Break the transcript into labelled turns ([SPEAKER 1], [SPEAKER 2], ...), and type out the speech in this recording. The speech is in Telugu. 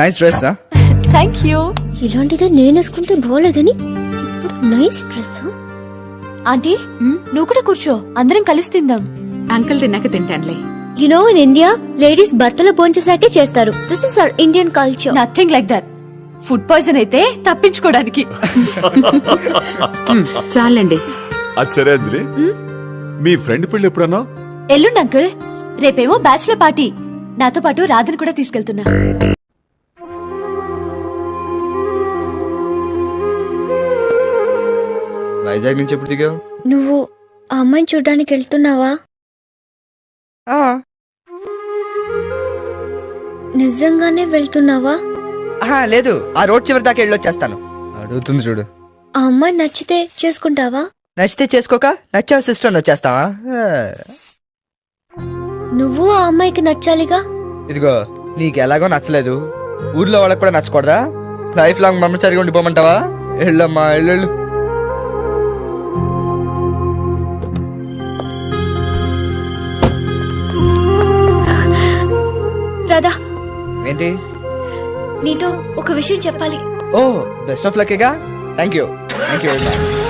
[SPEAKER 1] Nice dress.
[SPEAKER 2] Thank you.
[SPEAKER 3] ఇలాంటిదే నేను వేసుకుంటే బాగోలేదని నైస్ డ్రెస్.
[SPEAKER 2] ఆంటీ నువ్వు కూడా కూర్చో, అందరం కలిసి తిందాం.
[SPEAKER 4] అంకుల్ తిన్నాక తింటానులే.
[SPEAKER 3] You know in India ladies భర్తలో భోంచేసాకే చేస్తారు. This is our Indian culture.
[SPEAKER 2] Nothing like that. Food poison అయితే తప్పించుకోవడానికి.
[SPEAKER 4] చాలండి.
[SPEAKER 5] అది సరే అంజలి, మీ ఫ్రెండ్ పెళ్లి ఎప్పుడన్నా?
[SPEAKER 2] ఎల్లుండి అంకుల్. రేపేమో bachelor party. నాతో పాటు రాధని కూడా తీసుకెళ్తున్నా.
[SPEAKER 1] వైజాగ్ నుంచి ఎప్పుడు దిగావు?
[SPEAKER 3] నువ్వు ఆ అమ్మాయిని చూడ్డానికి వెళ్తున్నావా? నిజంగానే వెళ్తున్నావా?
[SPEAKER 1] లేదు, ఆ రోడ్ చివరి దాకా వెళ్ళొచ్చేస్తాను. అడుగుతుంది చూడు.
[SPEAKER 3] ఆ అమ్మాయి నచ్చితే చేసుకుంటావా?
[SPEAKER 1] నచ్చితే చేసుకోక, నచ్చావు సిస్టర్ వచ్చేస్తావా?
[SPEAKER 3] నువ్వు ఆ అమ్మాయికి నచ్చాలిగా.
[SPEAKER 1] ఇదిగో, నీకు ఎలాగో నచ్చలేదు, ఊర్లో వాళ్ళకి కూడా నచ్చకూడదా? లైఫ్ లాంగ్ బ్రహ్మచారిగా ఉండిపోమంటావా? వెళ్ళమ్మా, వెళ్ళు.
[SPEAKER 3] రాధా,
[SPEAKER 1] ఏంటి?
[SPEAKER 3] నీతో ఒక విషయం చెప్పాలి.
[SPEAKER 1] ఓ, బెస్ట్ ఆఫ్ లక్గా. Thank you very much.